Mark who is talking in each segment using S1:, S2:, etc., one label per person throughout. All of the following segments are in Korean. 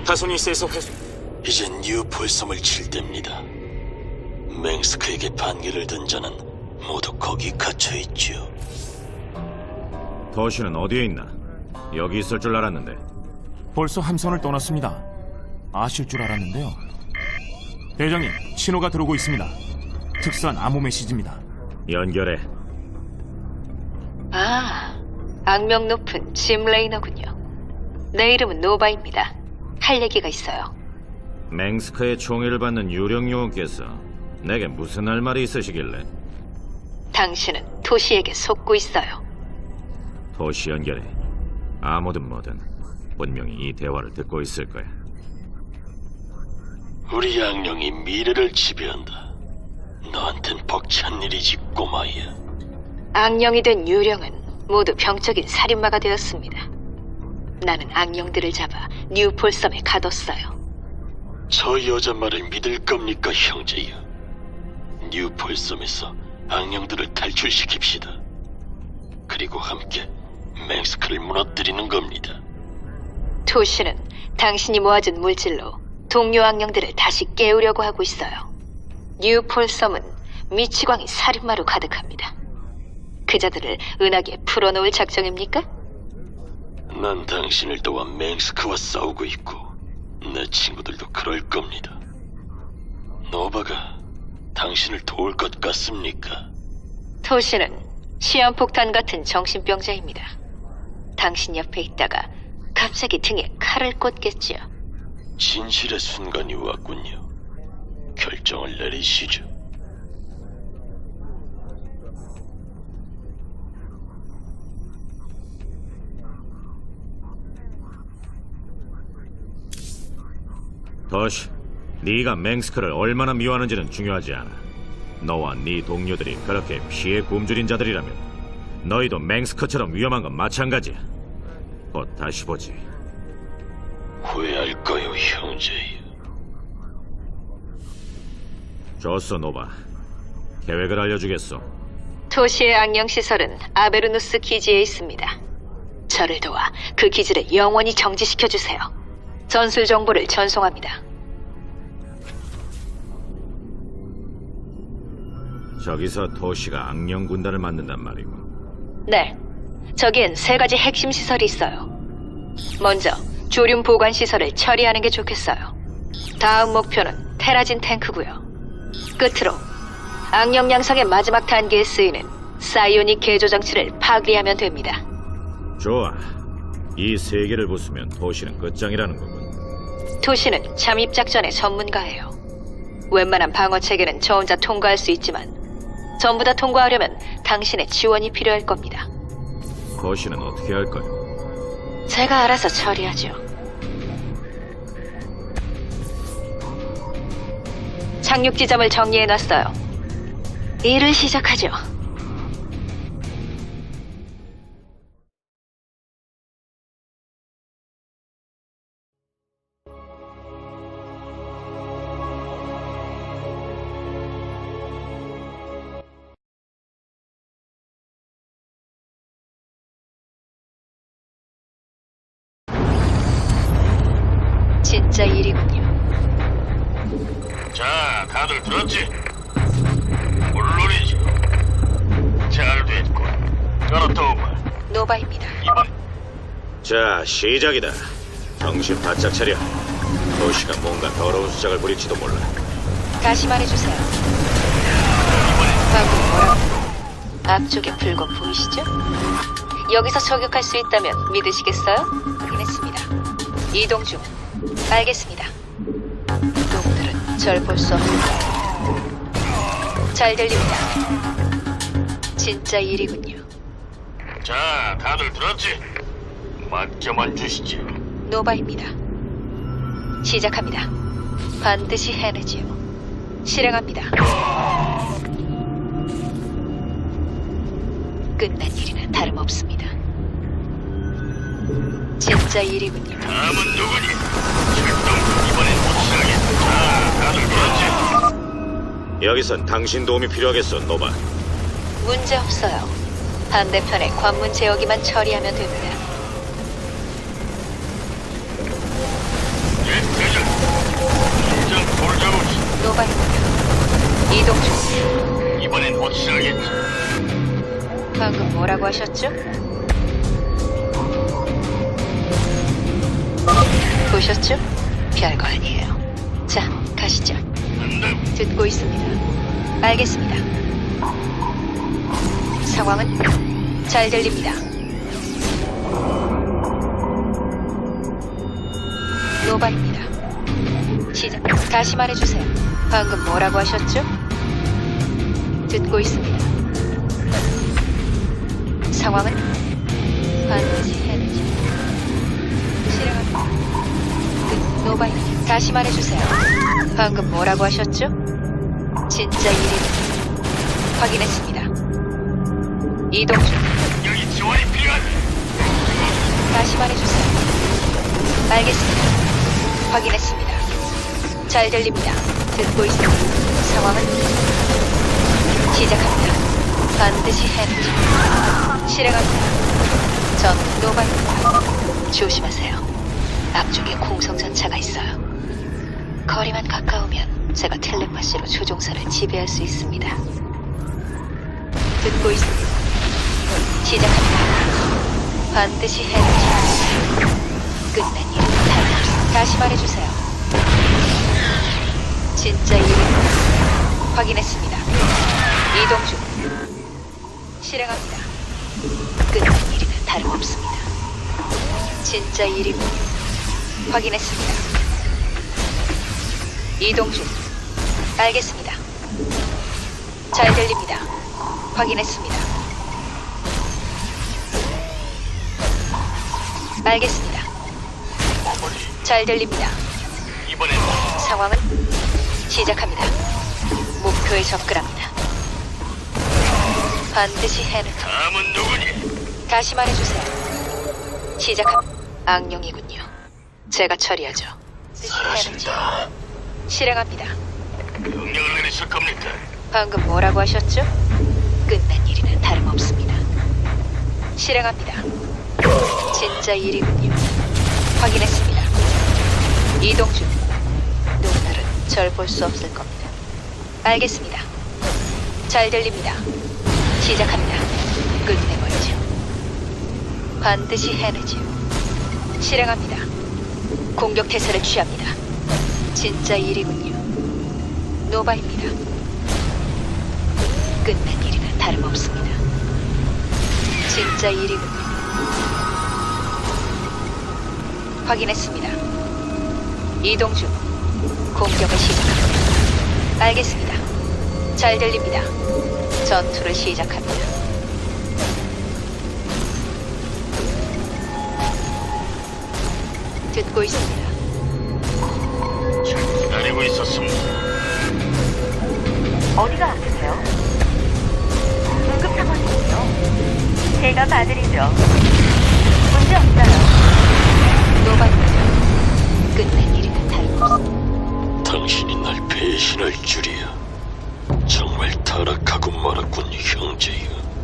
S1: 타소니스에서 회수.
S2: 이젠 뉴폴섬을 칠 때입니다. 맹스크에게 반기를 든 자는 모두 거기 갇혀 있지요.
S3: 도시는 어디에 있나? 여기 있을 줄 알았는데.
S1: 벌써 함선을 떠났습니다. 아실 줄 알았는데요. 대장님, 신호가 들어오고 있습니다. 특수한 암호 메시지입니다.
S3: 연결해.
S4: 아, 악명 높은 짐 레이너군요. 내 이름은 노바입니다. 할 얘기가 있어요.
S3: 맹스크의 총애를 받는 유령 요원께서 내게 무슨 할 말이 있으시길래?
S4: 당신은 토시에게 속고 있어요.
S3: 도시 연결해. 아무든 뭐든 분명히 이 대화를 듣고 있을 거야.
S2: 우리 악령이 미래를 지배한다. 너한텐 벅찬 일이지, 꼬마야.
S4: 악령이 된 유령은 모두 병적인 살인마가 되었습니다. 나는 악령들을 잡아 뉴폴섬에 가뒀어요.
S2: 저 여자 말을 믿을 겁니까, 형제여? 뉴폴섬에서 악령들을 탈출시킵시다. 그리고 함께 맹스크를 무너뜨리는 겁니다.
S4: 토시는 당신이 모아준 물질로 동료 악령들을 다시 깨우려고 하고 있어요. 뉴폴섬은 미치광이 살인마로 가득합니다. 그자들을 은하계에 풀어놓을 작정입니까?
S2: 난 당신을 도와 맹스크와 싸우고 있고 내 친구들도 그럴 겁니다. 노바가 당신을 도울 것 같습니까?
S4: 토시는 시한폭탄 같은 정신병자입니다. 당신 옆에 있다가 갑자기 등에 칼을 꽂겠지요.
S2: 진실의 순간이 왔군요. 결정을 내리시죠.
S3: 도시, 네가 맹스크를 얼마나 미워하는지는 중요하지 않아. 너와 네 동료들이 그렇게 피해 굶주린 자들이라면 너희도 맹스크처럼 위험한 건 마찬가지야. 곧 다시 보지.
S2: 후회할 거요, 형제여.
S3: 좋소, 노바. 계획을 알려주겠소.
S4: 토시의 악령 시설은 아베르누스 기지에 있습니다. 저를 도와 그 기지를 영원히 정지시켜주세요. 전술 정보를 전송합니다.
S3: 저기서 도시가 악령 군단을 만든단 말이고.
S4: 네, 저기엔 3가지 핵심 시설이 있어요. 먼저 조륨 보관 시설을 처리하는 게 좋겠어요. 다음 목표는 테라진 탱크고요. 끝으로 악령 양성의 마지막 단계에 쓰이는 사이오닉 개조 장치를 파괴하면 됩니다.
S3: 좋아. 이 세 개를 부수면 도시는 끝장이라는 거군.
S4: 토시는 잠입 작전의 전문가예요. 웬만한 방어 체계는 저 혼자 통과할 수 있지만 전부 다 통과하려면 당신의 지원이 필요할 겁니다.
S3: 도시는 어떻게 할 거요?
S4: 제가 알아서 처리하죠. 착륙 지점을 정리해놨어요. 일을 시작하죠. 진짜 일이군요.
S2: 자, 다들 들었지? 물론이지. 잘 됐고. 그렇다오마.
S4: 노바입니다.
S2: 이번
S3: 자, 시작이다. 정신 바짝 차려. 도시가 뭔가 더러운 수작을 부릴지도 몰라.
S4: 다시 말해주세요. 방금 뭐라고? 앞쪽에 붉은 보이시죠? 여기서 저격할 수 있다면 믿으시겠어요? 확인했습니다. 이동 중. 알겠습니다. 놈들은 절 볼 수 없습니다. 잘 들립니다. 진짜 일이군요.
S2: 자, 다들 들었지? 맡겨만 주시죠.
S4: 노바입니다. 시작합니다. 반드시 해내지요. 실행합니다. 끝난 일이나 다름없습니다. 진짜 일이군요.
S2: 다음은 누구니? 출동. 이번엔 확실하게. 자, 다들 들었지?
S3: 여기선 당신 도움이 필요하겠어, 노바.
S4: 문제 없어요. 반대편의 관문 제어기만 처리하면 됩니다.
S2: 예,
S4: 이동 중.
S2: 이번엔 확실하겠지.
S4: 방금 뭐라고 하셨죠? 보셨죠? 별거 아니에요. 자, 가시죠. 듣고 있습니다. 알겠습니다. 상황은 잘 들립니다. 노바입니다. 시작. 다시 말해주세요. 방금 뭐라고 하셨죠? 듣고 있습니다. 상황은 반드시 해내죠. 실행합니다. 노바입니다. 다시 말해주세요. 방금 뭐라고 하셨죠? 진짜 일입니다. 확인했습니다. 이동 중.
S2: 여기 지원이 필요하다.
S4: 다시 말해주세요. 알겠습니다. 확인했습니다. 잘 들립니다. 듣고 있습니다. 상황은 시작합니다. 반드시 해내죠. 실행합니다. 전 노바입니다. 조심하세요. 앞쪽에 공성전차가 있어요. 거리만 가까우면 제가 텔레파시로 조종사를 지배할 수 있습니다. 듣고 있습니다. 시작합니다. 반드시 해내죠. 끝난 일은 다름없습니다. 다시 말해주세요. 진짜 일입니다. 확인했습니다. 이동 중. 실행합니다. 끝난 일이나 다름없습니다. 진짜 일입니다. 확인했습니다. 이동 중. 알겠습니다. 잘 들립니다. 확인했습니다. 알겠습니다. 잘 들립니다.
S2: 이번엔
S4: 상황은 시작합니다. 목표에 접근합니다. 반드시 해내죠.
S2: 다음은 누구니?
S4: 다시 말해주세요. 시작합니다. 악령이군요. 제가 처리하죠.
S2: 사라진다.
S4: 실행합니다.
S2: 명령을 내리실 겁니까?
S4: 방금 뭐라고 하셨죠? 끝난 일이나 다름없습니다. 실행합니다. 진짜 일이군요. 확인했습니다. 이동 중. 놈들은 절 볼 수 없을 겁니다. 알겠습니다. 잘 들립니다. 시작합니다. 끝내버리죠. 반드시 해내죠. 실행합니다. 공격 태세를 취합니다. 진짜 일이군요. 노바입니다. 끝난 일이나 다름없습니다. 진짜 일이군요. 확인했습니다. 이동 중. 공격을 시작합니다. 알겠습니다. 잘 들립니다. 전투를 시작합니다. 듣고 있습니다.
S2: 기다리고 있었습니다.
S5: 어디가 아프세요? 응급 상황이군요. 제가 봐드리죠. 문제 없어요.
S4: 노바입니다. 끝난 일이나 다름없습니다.
S2: 당신이 날 배신할 줄이야. 정말 타락하고 말았군, 형제여.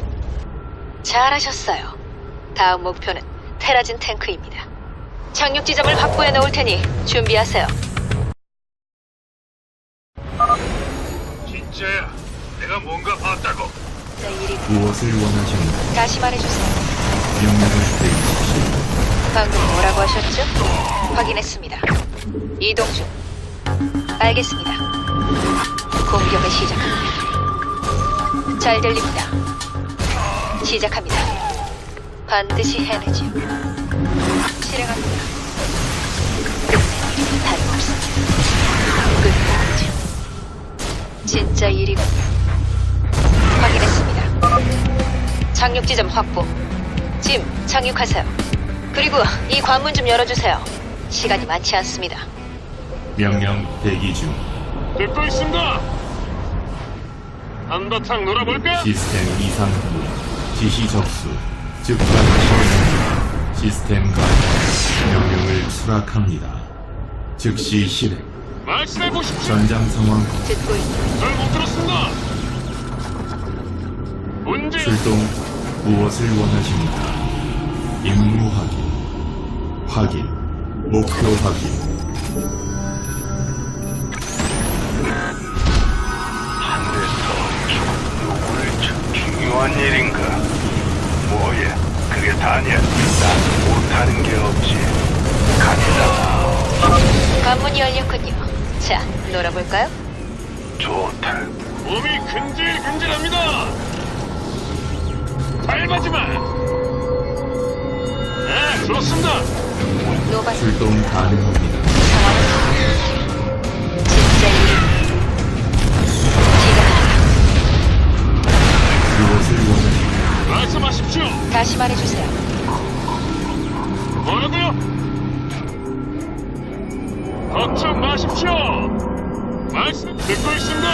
S4: 잘하셨어요. 다음 목표는 테라진 탱크입니다. 착륙 지점을 확보해 놓을 테니 준비하세요.
S2: 진짜야. 내가 뭔가 봤다고.
S4: 진짜 일이
S6: 무엇을 원하십니까?
S4: 다시 말해주세요.
S6: 명령을 내리십시오.
S4: 방금 뭐라고 하셨죠? 확인했습니다. 이동 중. 알겠습니다. 공격을 시작합니다. 잘 들립니다. 시작합니다. 반드시 해내죠. 실행합니다. 끝난 일이 다름없습니다. 끝내죠. 진짜 일이군요. 확인했습니다. 착륙 지점 확보. 짐, 착륙하세요. 그리고 이 관문 좀 열어주세요. 시간이 많지 않습니다.
S6: 명령 대기 중.
S2: 듣고 있습니다. 한바탕 놀아볼까?
S6: 시스템 이상 후 지시 접수. 즉각 실행. 시스템 가동. 명령을 수락합니다. 즉시 실행.
S2: 말씀해 보십시오.
S6: 전장 상황
S4: 듣고 있습니다.
S2: 잘 못 들었습니다. 문제
S6: 출동. 무엇을 원하십니까? 임무 확인. 확인. 목표 확인.
S7: 뭔 일인가? 뭐야? 그게 다냐? 난 못하는 게 없지. 간다.
S4: 관문이 열렸군요. 자, 놀아볼까요?
S7: 좋다.
S2: 몸이 근질근질합니다. 밟아지마. 네, 좋습니다.
S4: 노바
S6: 출동 가능합니다.
S4: 상황은 진짜 일입니다. 시작합니다.
S6: 무엇을 원하십니까?
S2: 말씀하십시오.
S4: 다시 말해주세요.
S2: 뭐라고요? 걱정 마십시오. 말씀 듣고 있습니다.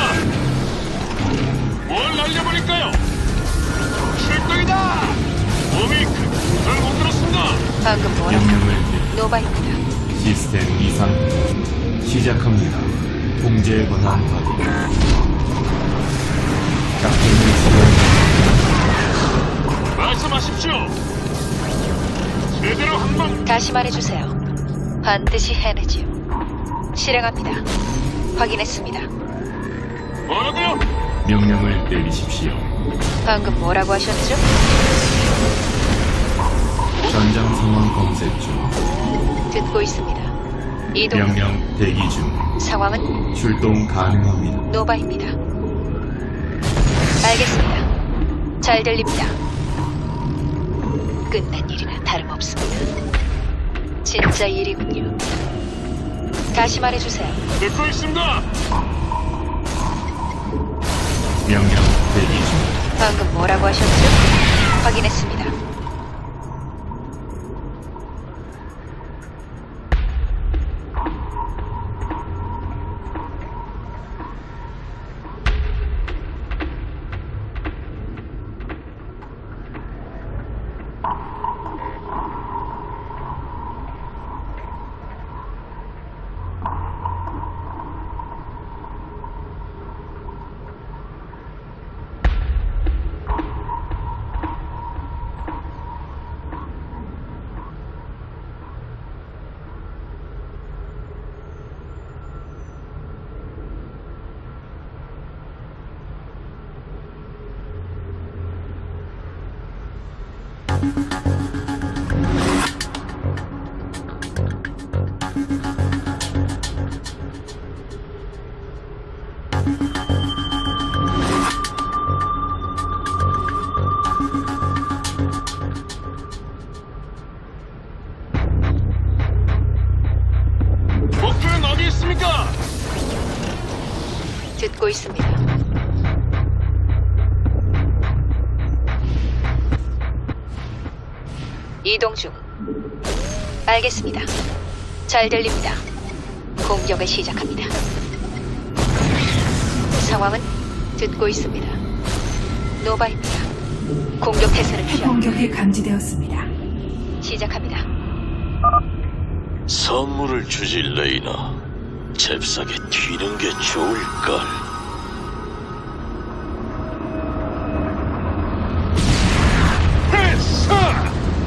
S2: 뭘 날려버릴까요? 출동이다. 몸이 잘못 들었습니다.
S4: 방금 뭐라고?
S6: 명령을 내리
S4: 노바입니다.
S6: 시스템 이상 시작합니다. 통제 권한 확인. 작전을 수행.
S2: 말씀하십시오. 제대로 한번
S4: 다시 말해주세요. 반드시 해내지요. 실행합니다. 확인했습니다.
S2: 뭐라고요?
S6: 명령을 내리십시오.
S4: 방금 뭐라고 하셨죠?
S6: 전장 상황 검색 중.
S4: 듣고 있습니다. 이동
S6: 명령 대기 중.
S4: 상황은
S6: 출동 가능합니다.
S4: 노바입니다. 알겠습니다. 잘 들립니다. 끝난 일이나 다름없습니다. 진짜 일이군요. 다시 말해주세요.
S2: 듣고 있습니다.
S6: 명령 대기 중.
S4: 방금 뭐라고 하셨죠? 확인했습니다.
S2: 목표는 어디 있습니까?
S4: 듣고 있습니다. 이동 중. 알겠습니다. 잘 들립니다. 공격을 시작합니다. 상황은 듣고 있습니다. 노바입니다. 공격 태세를 취합니다.
S8: 공격이 감지되었습니다.
S4: 시작합니다.
S2: 선물을 주지 레이나. 잽싸게 튀는 게 좋을걸. 패스!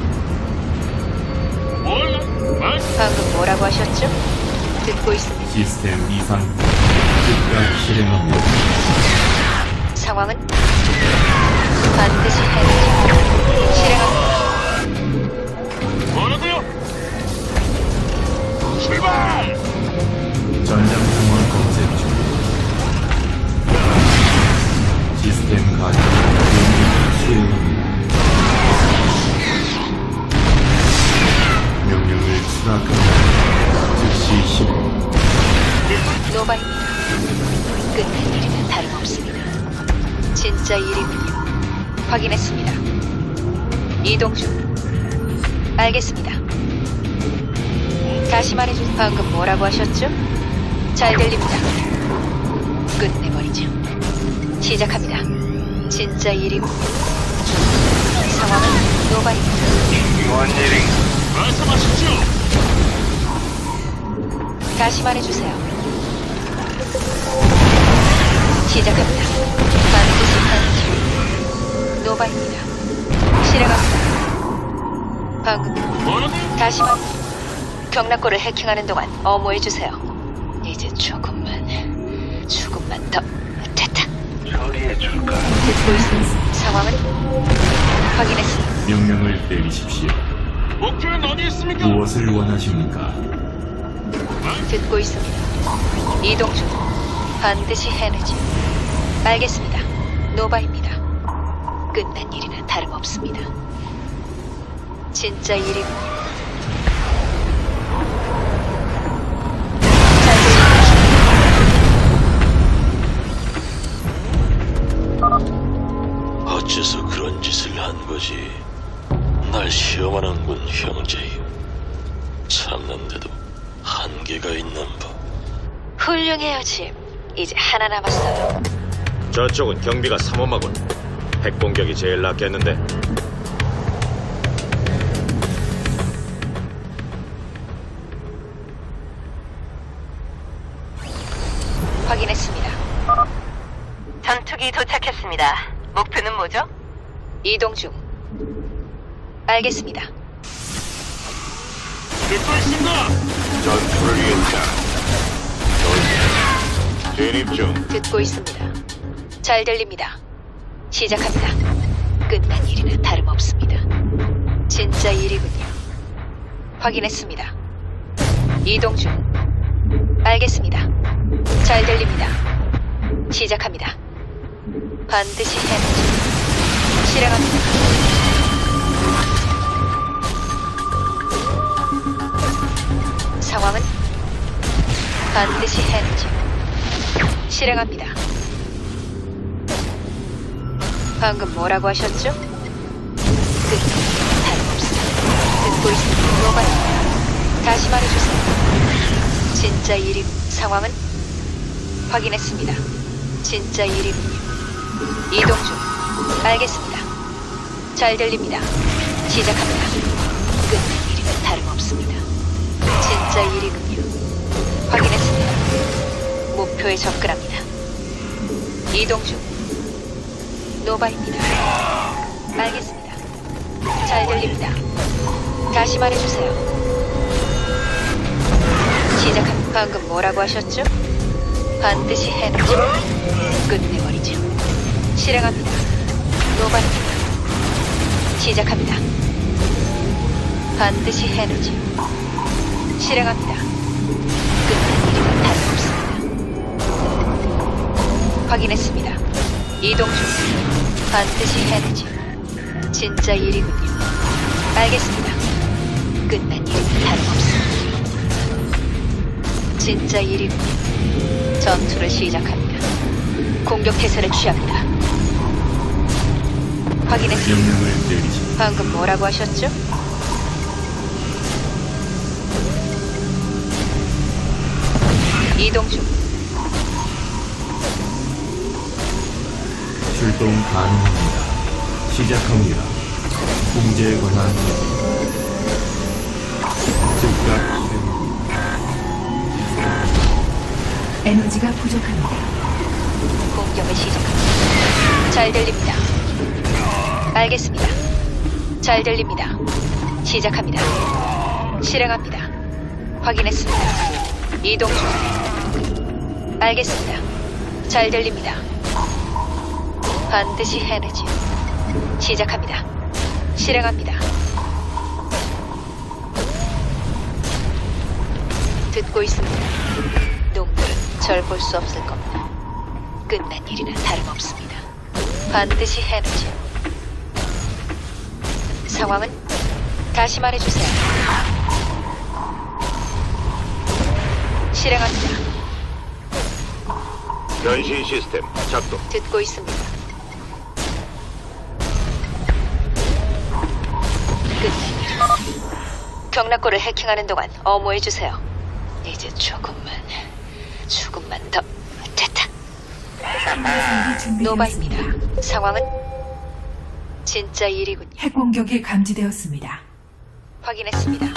S2: 뭘?
S4: 방금 뭐라고 하셨죠? 듣고 있습니다.
S6: 시스템 이상 즉각 실행합니다.
S4: 상황은 반드시 해내죠. 실행합니다.
S2: 뭐라고요? 출발!
S6: 전장 상황 검색 중. 시스템 가동. 명령을 수행합니다. 명령을 수락합니다. 즉시 실행.
S4: 노바입니다. 끝난 일이나 다름없습니다. 진짜 일이군요. 확인했습니다. 이동 중. 알겠습니다. 다시 말해주세요. 방금 뭐라고 하셨죠? 잘 들립니다. 끝내버리죠. 시작합니다. 진짜 일이군요. 상황은 노바입니다.
S7: 뭔 일인가?
S2: 말씀하십시오.
S4: 다시 말해주세요. 시작합니다. 반드시 하죠. 노바입니다. 실행합니다. 방금
S2: 뭐라고요?
S4: 다시 말. 경락고를 해킹하는 동안 어모해주세요. 이제 조금만 더. 됐다.
S7: 처리해 줄까?
S4: 듣고 있습니다. 상황은 확인했습니다.
S6: 명령을 내리십시오.
S1: 목표는 어디 있습니까?
S6: 무엇을 원하십니까?
S4: 듣고 있습니다. 이동 중. 반드시 해내지. 알겠습니다. 노바입니다. 끝난 일이나 다름없습니다. 진짜 일이군요. 잘
S2: 어째서 그런 짓을 한 거지? 날 시험하는군, 형제여. 참는데도 한계가 있는 법.
S4: 훌륭해요, 짐. 이제 하나 남았어요.
S3: 저쪽은 경비가 삼엄하군. 핵 공격이 제일 낫겠는데.
S4: 확인했습니다.
S5: 전투기 도착했습니다. 목표는 뭐죠?
S4: 이동 중. 알겠습니다.
S1: 듣고 있습니다.
S7: 전투를 위했다. 진입 중.
S4: 듣고 있습니다. 잘 들립니다. 시작합니다. 끝난 일이나 다름없습니다. 진짜 일이군요. 확인했습니다. 이동 중. 알겠습니다. 잘 들립니다. 시작합니다. 반드시 해내죠. 실행합니다. 상황은 반드시 해내죠. 실행합니다. 방금 뭐라고 하셨죠? 다름없습니다. 듣고 있습니다. 노바입니다. 다시 말해주세요. 진짜 일이 상황은 확인했습니다. 진짜 일이군요. 이동 중. 알겠습니다. 잘 들립니다. 시작합니다. 끝난 일이면 다름없습니다. 진짜 일이군요. 확인했습니다. 목표에 접근합니다. 이동 중. 노바입니다. 알겠습니다. 잘 들립니다. 다시 말해주세요. 시작합니다. 방금 뭐라고 하셨죠? 반드시 해내죠. 끝내버리죠. 실행합니다. 노바입니다. 시작합니다. 반드시 해내죠. 실행합니다. 끝난 일이면 다름없습니다. 확인했습니다. 이동 중. 반드시 해내죠. 진짜 일이군요. 알겠습니다. 끝난 일이면 다름없습니다. 진짜 일이군요. 전투를 시작합니다. 공격 태세를 취합니다. 확인했습니다.
S6: 명령을 내리십시오.
S4: 방금 뭐라고 하셨죠? 이동 중.
S6: 출동 가능합니다. 시작합니다. 공제에 관한 즉각 실행합니다.
S8: 에너지가 부족합니다.
S4: 공격을 시작합니다. 잘 들립니다. 알겠습니다. 잘 들립니다. 시작합니다. 실행합니다. 확인했습니다. 이동 중. 알겠습니다. 잘 들립니다. 반드시 해내지. 시작합니다. 실행합니다. 듣고 있습니다. 놈들은 절 볼 수 없을 겁니다. 끝난 일이나 다름없습니다. 반드시 해내지. 상황은 다시 말해주세요. 실행합니다.
S3: 변신 시스템 작동.
S4: 듣고 있습니다. 끝난 일. 경락고를 해킹하는 동안 어모해주세요. 이제 조금만 더. 됐다. 노바입니다. 상황은 진짜 일이군요.
S8: 핵 공격이 감지되었습니다.
S4: 확인했습니다.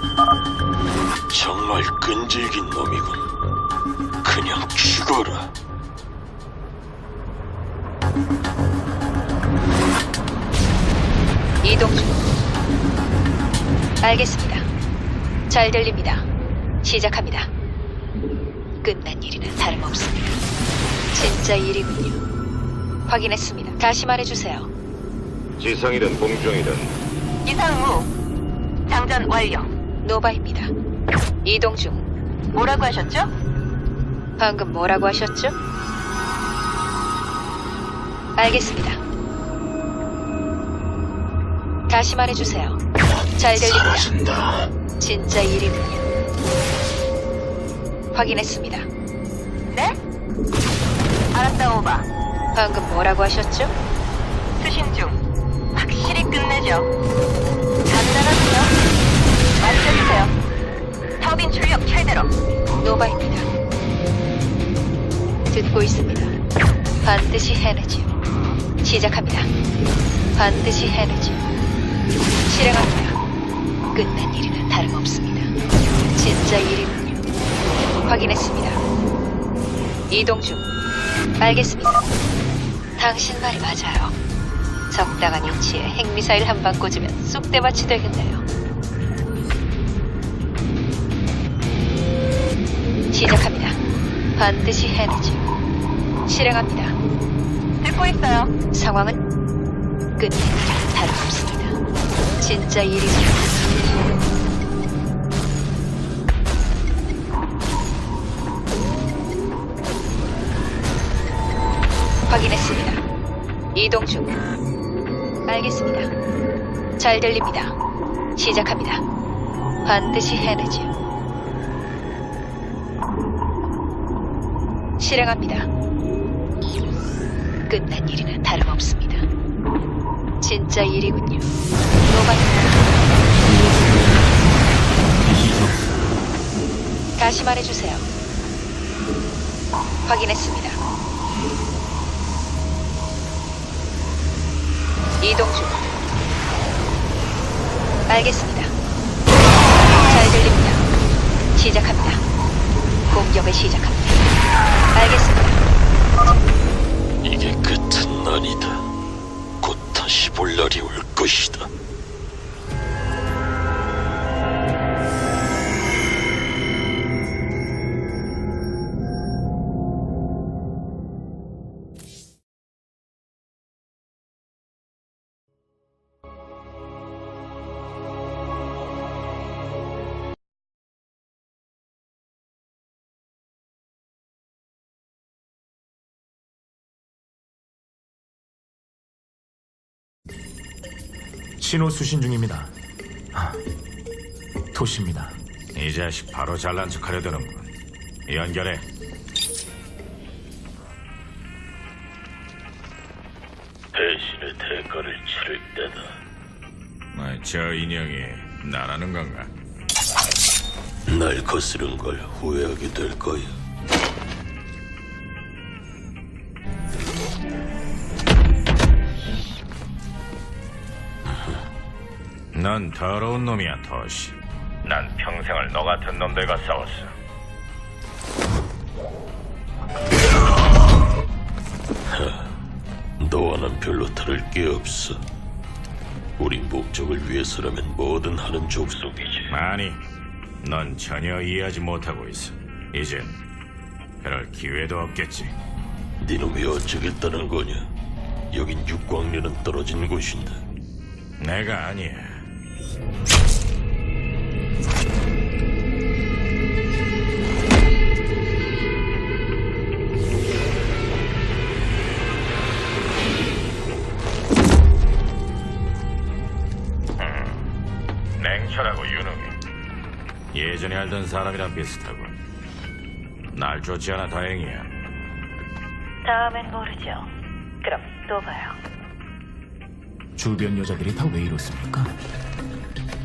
S2: 정말 끈질긴 놈이군. 그냥 죽어라.
S4: 이동 중. 알겠습니다. 잘 들립니다. 시작합니다. 끝난 일이나 다름없습니다. 진짜 일이군요. 확인했습니다. 다시 말해주세요.
S3: 지상이든 공중이든
S5: 이상무. 장전 완료.
S4: 노바입니다. 이동 중.
S5: 뭐라고 하셨죠?
S4: 방금 뭐라고 하셨죠? 알겠습니다. 다시 말해주세요. 잘 들립니다.
S2: 사라진다.
S4: 진짜 일이군요. 확인했습니다.
S5: 네? 알았다, 오바.
S4: 방금 뭐라고 하셨죠?
S5: 수신 중. 확실히 끝내죠. 간단하군요. 말씀해주세요. 터빈 출력 최대로.
S4: 노바입니다. 듣고 있습니다. 반드시 해내지요. 시작합니다. 반드시 해내지요. 실행합니다. 끝난 일이나 다름없습니다. 진짜 일이군요. 확인했습니다. 이동 중. 알겠습니다. 당신 말이 맞아요. 적당한 위치에 핵미사일 한 방 꽂으면 쑥대밭이 되겠네요. 시작합니다. 반드시 해내죠. 실행합니다.
S5: 듣고 있어요.
S4: 상황은 끝낸 일이나 다름없습니다. 진짜 일이군요. 확인했습니다. 이동 중. 알겠습니다. 잘 들립니다. 시작합니다. 반드시 해내죠. 실행합니다. 끝난 일이나 다름없습니다. 진짜 일이군요. 노바입니다.
S6: 지시 접수.
S4: 다시 말해주세요. 확인했습니다. 이동 중. 알겠습니다. 잘 들립니다. 시작합니다. 공격을 시작합니다. 알겠습니다.
S2: 이게 끝은 아니다. 곧 다시 볼 날이 올 것이다.
S1: 신호 수신 중입니다. 토시입니다.
S3: 이 자식 바로 잘난 척하려 드는군. 연결해.
S2: 배신의 대가를 치를 때다.
S3: 저 인형이 나라는 건가?
S2: 날 거스른 걸 후회하게 될 거야.
S3: 넌 더러운 놈이야, 토시. 난 평생을 너 같은 놈들과 싸웠어.
S2: 너와는 별로 다를 게 없어. 우리 목적을 위해서라면 뭐든 하는 족속이지.
S3: 아니, 넌 전혀 이해하지 못하고 있어. 이젠 그럴 기회도 없겠지.
S2: 니는 왜 어쩌겠다는 거냐? 여긴 육광년은 떨어진 곳인데.
S3: 내가 아니야. 냉철하고 유능해. 예전에 알던 사람이랑 비슷하군. 날 쫓지 않아 다행이야.
S5: 다음엔 모르죠. 그럼 또 봐요.
S1: 주변 여자들이 다 왜 이렇습니까?